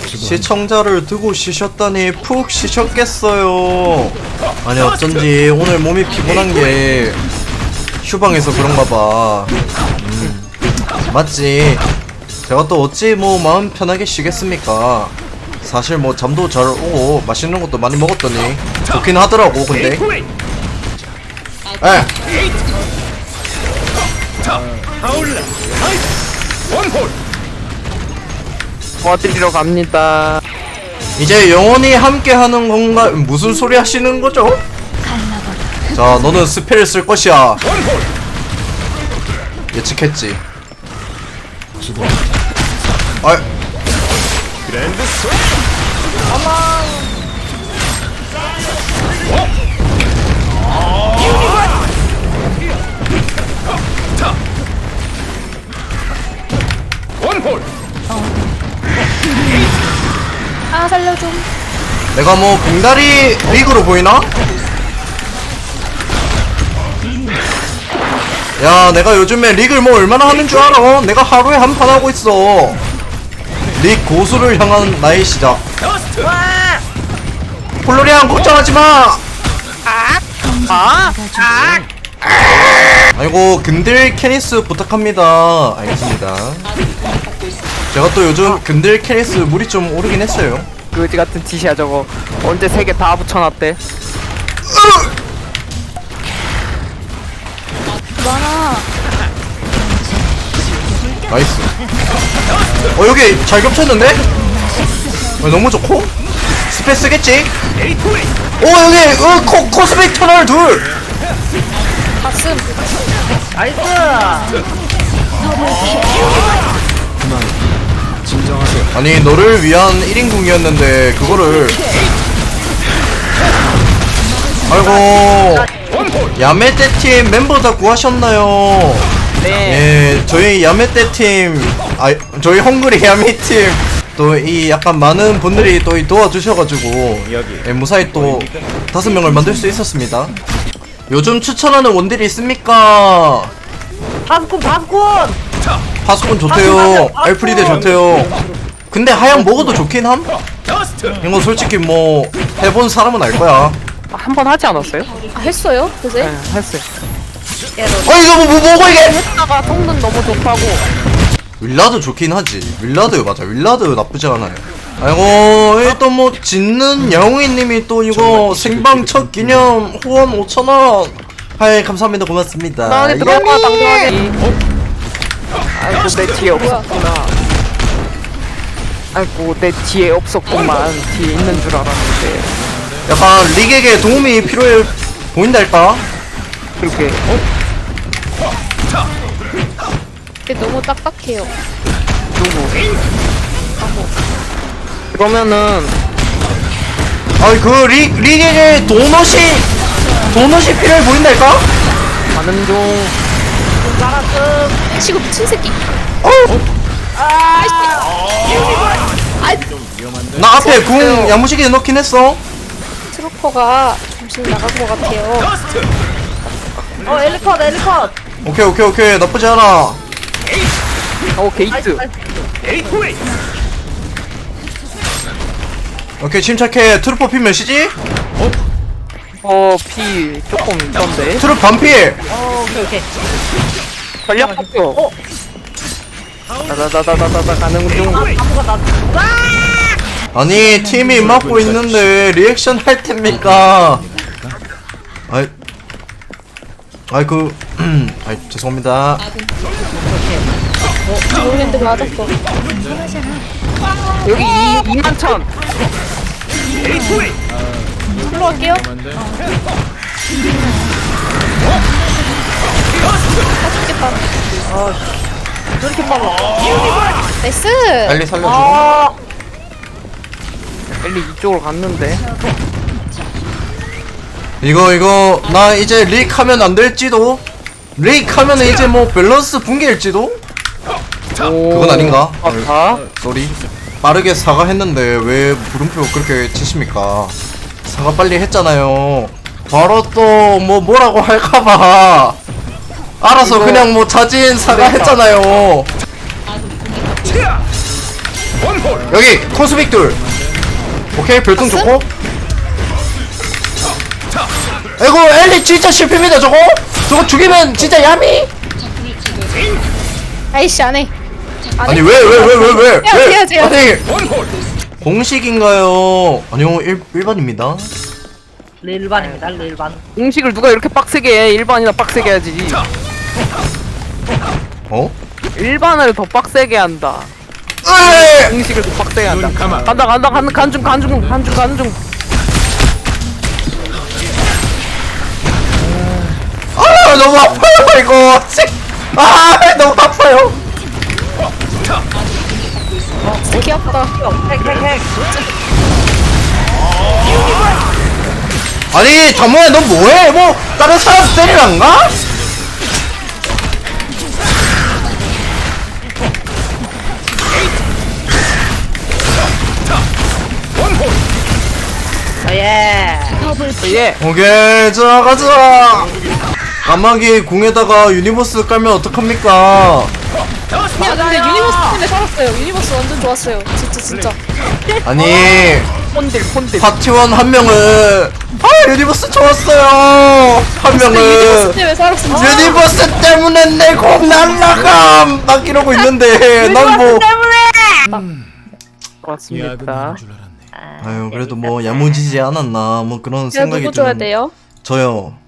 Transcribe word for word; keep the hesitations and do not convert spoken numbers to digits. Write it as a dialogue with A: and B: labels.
A: 시청자를 두고 쉬셨다니 푹 쉬셨겠어요. 아니 어쩐지 오늘 몸이 피곤한게 휴방해서 그런가봐. 음, 맞지. 제가 또 어찌 뭐 마음 편하게 쉬겠습니까. 사실 뭐 잠도 잘 오고 맛있는 것도 많이 먹었더니 좋긴 하더라고. 근데 에
B: 도와드리러 갑니다.
A: 이제 영원히 함께하는 건가? 무슨 소리 하시는 거죠? 자, 너는 스펠을 쓸 것이야. 예측했지. 아,
C: 아 살려줘.
A: 내가 뭐 봉다리 리그로 보이나? 야, 내가 요즘에 리그를 뭐 얼마나 하는 줄 알아? 내가 하루에 한 판 하고 있어. 리그 고수를 향한 나의 시작. 폴로리안 걱정하지 마.
B: 아?
A: 아이고, 근들 캐니스 부탁합니다. 알겠습니다. 제가 또 요즘 근들 캐니스 물이 좀 오르긴 했어요.
B: 그지 같은 티시야 저거. 언제 세 개 다 붙여놨대?
C: 많아.
A: 나이스. 어, 여기 잘 겹쳤는데? 어, 너무 좋고? 스페 쓰겠지? 오, 여기 어, 코, 코스믹 터널 둘!
C: 가슴.
B: 나이스!
A: 아니, 너를 위한 일 인궁이었는데 그거를 아이고, 야매떼 팀 멤버 다 구하셨나요?
B: 네.
A: 예, 저희 야매떼 팀, 아, 저희 헝그리 야매 팀, 또 이 약간 많은 분들이 또 도와주셔가지고, 예, 무사히 또 다섯 명을 만들 수 있었습니다. 요즘 추천하는 원딜이 있습니까?
B: 파스콘 파스콘!
A: 파수꾼 좋대요. 알프리드 좋대요. 근데 하양 먹어도 좋긴 함? 이거 솔직히 뭐 해본 사람은 알 거야.
B: 한 번 하지 않았어요?
C: 아 했어요? 그새?
B: 네, 했어요.
A: 어, 이거 뭐, 뭐 뭐고 이게?
B: 했다가 성능 너무 좋다고.
A: 윌라드 좋긴 하지. 윌라드 맞아. 윌라드 나쁘지 않아요. 아이고, 일단 뭐 짓는 야옹이님이 또 이거 생방 첫 기념 후원 오천 원. 하이, 감사합니다. 고맙습니다.
B: 나한테 들어가 당당하게. 아이고 내 뒤에 없었구나. 아이고 내 뒤에 없었구만. 뒤에 있는 줄 알았는데.
A: 약간 릭에게 도움이 필요해 보인달까?
B: 그렇게.
C: 근데 너무 딱딱해요.
B: 누구? 그러면은
A: 아이, 그 릭, 릭에게 도넛이 도넛이 필요해 보인달까?
B: 가는 중.
C: 치고 미친 새끼.
A: 어?
C: 아이
A: 나 앞에 궁 야무지게 넣긴 했어.
C: 트루퍼가 정신 나간 것 같아요.
D: 어 엘리컷 엘리컷
A: 오케이 오케이 오케이, 나쁘지 않아.
B: 어 게이트.
A: 오케이, 침착해. 트루퍼 피 몇이지?
B: 어 피 조금 있던데.
A: 트루퍼 반피.
D: 어 오케이 오케이
B: 전략 학교. 어. 다다다다다다 가는 중.
D: 아무가 나
A: 아니, 팀이 막고 있는데 리액션 할 텐니까. 아이, 아이 그, 아이 죄송합니다.
C: 모르겠는데 맞았어.
B: 여기 이 이만 천.
C: 불러갈게요. 아 죽겠다.
D: 저렇게 빨라
C: 나이스.
A: 빨리 살려주고.
D: 아
B: 엘리 이쪽으로 갔는데.
A: 이거 이거 나 이제 릭 하면 안 될지도. 릭 하면 이제 뭐 밸런스 붕괴일지도. 그건 아닌가?
B: 아,
A: 쏘리. 빠르게 사과했는데 왜 물음표 그렇게 치십니까? 사과 빨리 했잖아요. 바로 또 뭐 뭐라고 할까봐 알아서
B: 이거-
A: 그냥 뭐 자진 사과했잖아요. 여기 코스믹 둘. 오케이 별똥 좋고. 아이고 엘리 진짜 실패입니다 저거. 저거 죽이면 진짜 야미.
C: 아이씨 안해.
A: 아니 왜 왜 왜 왜 왜?
C: 해야지, 해야지, 해야지.
A: 아니 공식인가요? 아니요 일 일반입니다.
D: 일반입니다 일반.
B: 공식을 누가 이렇게 빡세게 해? 일반이나 빡세게 해야지.
A: 어?
B: 일반을 더 빡세게 한다.
A: 으이!
B: 공식을 더 빡세게 한다. 간다 간다 간다 간중 간중 간중 간중.
A: 아 너무 아파요 이거. 아 너무 아파요.
C: 진짜 귀엽다.
D: 핵핵핵.
A: 아니 잠깐만 너 뭐해? 뭐 다른 사람 때리란가?
D: 예.
B: 예.
A: 오케이 자 가자. 까마귀 공에다가 유니버스 깔면 어떡합니까?
C: 야 근데 유니버스 때문에 살았어요. 유니버스 완전 좋았어요. 진짜 진짜.
A: 아니
B: 폰딜 폰딜.
A: 파티원 한 명은 아 유니버스 좋았어요. 한
C: 유니버스
A: 명은
C: 때문에 살았습니다.
A: 유니버스 때문에 내 공 날라감 막 이러고 있는데 난 뭐
B: 고맙습니다.
A: 아유 그래도 뭐 야무지지 않았나 뭐 그런
C: 야
A: 생각이
C: 누구 줘야
A: 드는-
C: 돼요?
A: 저요